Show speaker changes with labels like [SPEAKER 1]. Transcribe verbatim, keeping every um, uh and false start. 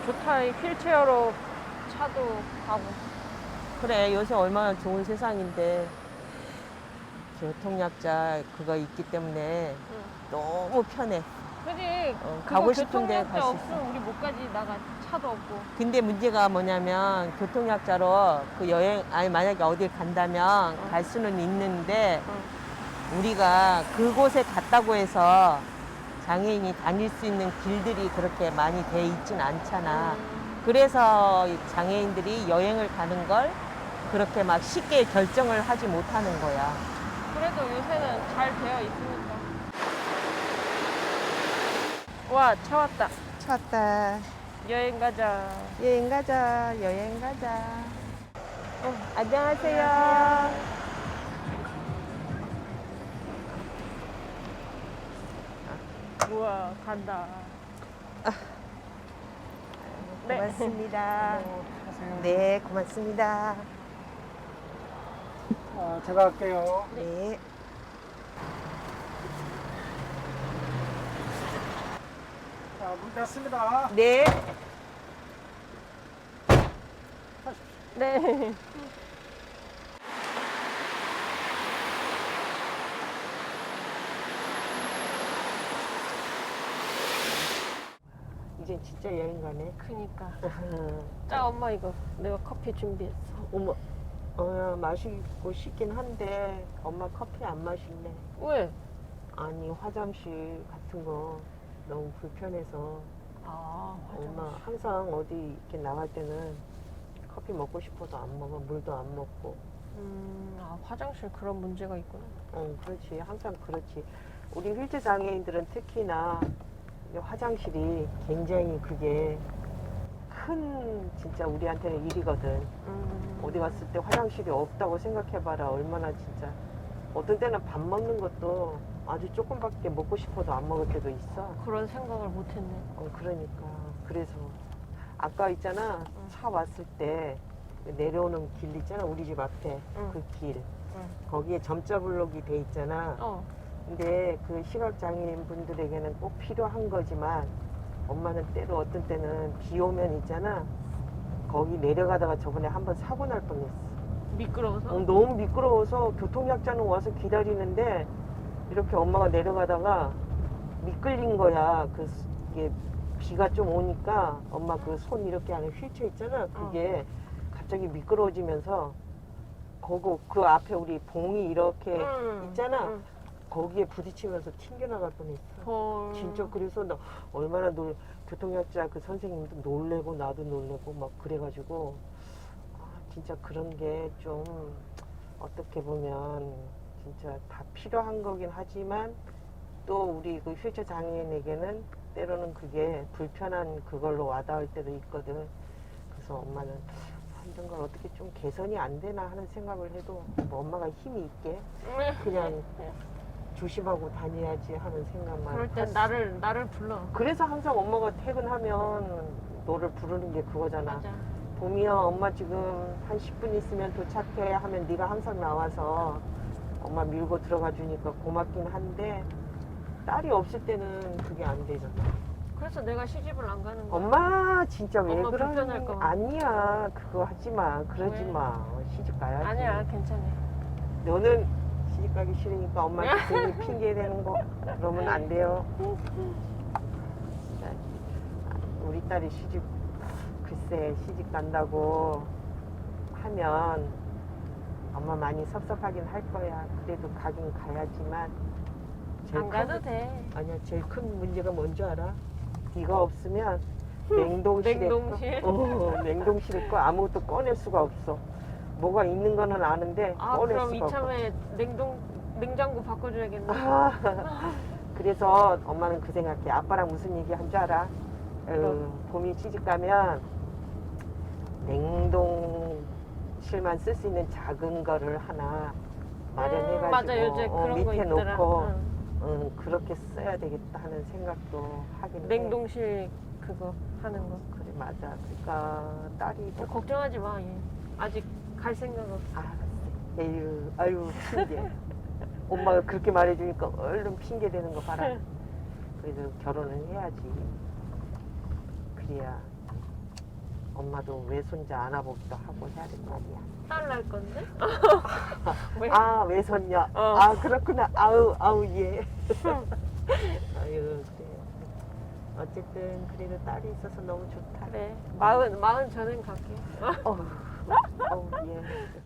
[SPEAKER 1] 좋다. 이 휠체어로 차도 가고.
[SPEAKER 2] 그래, 요새 얼마나 좋은 세상인데 교통약자 그거 있기 때문에
[SPEAKER 1] 응.
[SPEAKER 2] 너무 편해.
[SPEAKER 1] 그지?
[SPEAKER 2] 어,
[SPEAKER 1] 그거
[SPEAKER 2] 가고 싶은데
[SPEAKER 1] 교통약자
[SPEAKER 2] 갈 수 있어.
[SPEAKER 1] 없으면 우리 못 가지. 나가 차도 없고.
[SPEAKER 2] 근데 문제가 뭐냐면 교통약자로 그 여행 아니 만약에 어딜 간다면
[SPEAKER 1] 어.
[SPEAKER 2] 갈 수는 있는데
[SPEAKER 1] 응.
[SPEAKER 2] 우리가 그곳에 갔다고 해서 장애인이 다닐 수 있는 길들이 그렇게 많이 돼 있진 않잖아.
[SPEAKER 1] 음.
[SPEAKER 2] 그래서 이 장애인들이 여행을 가는 걸 그렇게 막 쉽게 결정을 하지 못하는 거야.
[SPEAKER 1] 그래도 요새는 잘 되어 있으니까. 와, 차 왔다.
[SPEAKER 2] 찾다.
[SPEAKER 1] 여행 가자.
[SPEAKER 2] 여행 가자. 여행 가자. 어, 안녕하세요.
[SPEAKER 1] 우와, 간다. 네.
[SPEAKER 2] 고맙습니다.
[SPEAKER 3] 하세요.
[SPEAKER 2] 네, 고맙습니다.
[SPEAKER 3] 아, 제가 할게요.
[SPEAKER 2] 네.
[SPEAKER 3] 자, 문 닫습니다.
[SPEAKER 2] 네.
[SPEAKER 1] 네.
[SPEAKER 2] 이제 진짜 여행 가네.
[SPEAKER 1] 그니까. 자, 엄마 이거 내가 커피 준비했어.
[SPEAKER 2] 어머, 어, 마시고 싶긴 한데 엄마 커피 안 마실래.
[SPEAKER 1] 왜?
[SPEAKER 2] 아니 화장실 같은 거 너무 불편해서
[SPEAKER 1] 아,
[SPEAKER 2] 엄마 항상 어디 이렇게 나갈 때는 커피 먹고 싶어도 안 먹어. 물도 안 먹고.
[SPEAKER 1] 음, 아, 화장실 그런 문제가 있구나.
[SPEAKER 2] 어, 그렇지. 항상 그렇지. 우리 휠체어 장애인들은 특히나 이 화장실이 굉장히 그게 큰 진짜 우리한테는 일이거든.
[SPEAKER 1] 음,
[SPEAKER 2] 어디 갔을 때 화장실이 없다고 생각해봐라. 얼마나 진짜. 어떤 때는 밥 먹는 것도 아주 조금밖에 먹고 싶어도 안 먹을 때도 있어.
[SPEAKER 1] 그런 생각을 못했네.
[SPEAKER 2] 어, 그러니까. 그래서 아까 있잖아.
[SPEAKER 1] 응.
[SPEAKER 2] 차 왔을 때 내려오는 길 있잖아. 우리 집 앞에.
[SPEAKER 1] 응.
[SPEAKER 2] 그 길.
[SPEAKER 1] 응.
[SPEAKER 2] 거기에 점자 블록이 돼 있잖아.
[SPEAKER 1] 어,
[SPEAKER 2] 근데 그 시각장애인 분들에게는 꼭 필요한 거지만 엄마는 때로 어떤 때는 비 오면 있잖아. 거기 내려가다가 저번에 한번 사고 날 뻔했어.
[SPEAKER 1] 미끄러워서?
[SPEAKER 2] 어, 너무 미끄러워서 교통약자는 와서 기다리는데 이렇게 엄마가 내려가다가 미끌린 거야. 그 스- 이게 비가 좀 오니까 엄마 그 손 이렇게 안에 휠체어 있잖아. 그게 갑자기 미끄러워지면서 거기 그 앞에 우리 봉이 이렇게
[SPEAKER 1] 응.
[SPEAKER 2] 있잖아.
[SPEAKER 1] 응.
[SPEAKER 2] 거기에 부딪히면서 튕겨나갈 뻔했어.
[SPEAKER 1] 헐.
[SPEAKER 2] 진짜 그래서 나 얼마나 놀 교통약자 그 선생님도 놀래고 나도 놀래고 막 그래가지고 아, 진짜 그런 게 좀 어떻게 보면 진짜 다 필요한 거긴 하지만 또 우리 그 휠체어 장애인에게는 때로는 그게 불편한 그걸로 와닿을 때도 있거든. 그래서 엄마는 이런 걸 어떻게 좀 개선이 안 되나 하는 생각을 해도 뭐 엄마가 힘이 있게 그냥 조심하고 다녀야지 하는 생각만.
[SPEAKER 1] 그럴 땐
[SPEAKER 2] 하지.
[SPEAKER 1] 나를, 나를 불러.
[SPEAKER 2] 그래서 항상 엄마가 퇴근하면 너를 부르는 게 그거잖아.
[SPEAKER 1] 맞아.
[SPEAKER 2] 봄이야 엄마 지금 한 십 분 있으면 도착해 하면 네가 항상 나와서 엄마 밀고 들어가 주니까 고맙긴 한데 딸이 없을 때는 그게 안 되잖아.
[SPEAKER 1] 그래서 내가 시집을 안 가는 거야.
[SPEAKER 2] 엄마 진짜 왜
[SPEAKER 1] 엄마
[SPEAKER 2] 그러니?
[SPEAKER 1] 불편할까 봐.
[SPEAKER 2] 아니야 그거 하지 마. 그러지
[SPEAKER 1] 왜?
[SPEAKER 2] 마. 시집 가야지.
[SPEAKER 1] 아니야, 괜찮아.
[SPEAKER 2] 너는 시집 가기 싫으니까 엄마한테 괜히 핑계 대는 거 그러면 안 돼요. 진짜 우리 딸이 시집 글쎄 시집 간다고 하면 엄마 많이 섭섭하긴 할 거야. 그래도 가긴 가야지만 제일
[SPEAKER 1] 안
[SPEAKER 2] 큰
[SPEAKER 1] 가도
[SPEAKER 2] 문-
[SPEAKER 1] 돼.
[SPEAKER 2] 아니야 제일 큰 문제가 뭔지 알아? 네가 없으면 냉동실에
[SPEAKER 1] 냉동실?
[SPEAKER 2] 거, 어, 냉동실에 거 아무것도 꺼낼 수가 없어. 뭐가 있는 거는 아는데
[SPEAKER 1] 아,
[SPEAKER 2] 꺼낼
[SPEAKER 1] 그럼
[SPEAKER 2] 수가 없어.
[SPEAKER 1] 이참에 냉동, 냉장고 바꿔줘야겠네.
[SPEAKER 2] 아, 그래서 엄마는 그 생각해. 아빠랑 무슨 얘기 한 줄 알아? 어, 봄이 시집 가면 냉동실만 쓸 수 있는 작은 거를 하나 마련해가지고
[SPEAKER 1] 음, 맞아, 요새
[SPEAKER 2] 어,
[SPEAKER 1] 그런 거
[SPEAKER 2] 밑에
[SPEAKER 1] 있더라.
[SPEAKER 2] 놓고
[SPEAKER 1] 응.
[SPEAKER 2] 응, 그렇게 써야 되겠다 하는 생각도 하긴 해.
[SPEAKER 1] 냉동실 그거 하는 거.
[SPEAKER 2] 그래 맞아. 그러니까 딸이
[SPEAKER 1] 어, 걱정하지 마, 얘. 아직 갈 생각 없어.
[SPEAKER 2] 알았어. 에휴, 아유 핑계. 엄마가 그렇게 말해주니까 얼른 핑계 대는 거 봐라. 그래도 결혼은 해야지. 그래야 엄마도 외손자 안아보기도 하고 해야 될 거 아니야.
[SPEAKER 1] 딸 날 건데? 왜?
[SPEAKER 2] 아 외손녀.
[SPEAKER 1] 어.
[SPEAKER 2] 아 그렇구나. 아우 아우 예. 아유 그래. 어쨌든 그래도 딸이 있어서 너무 좋다.
[SPEAKER 1] 그래. 마흔 마흔 전엔 갈게.
[SPEAKER 2] 어우, 어우 예.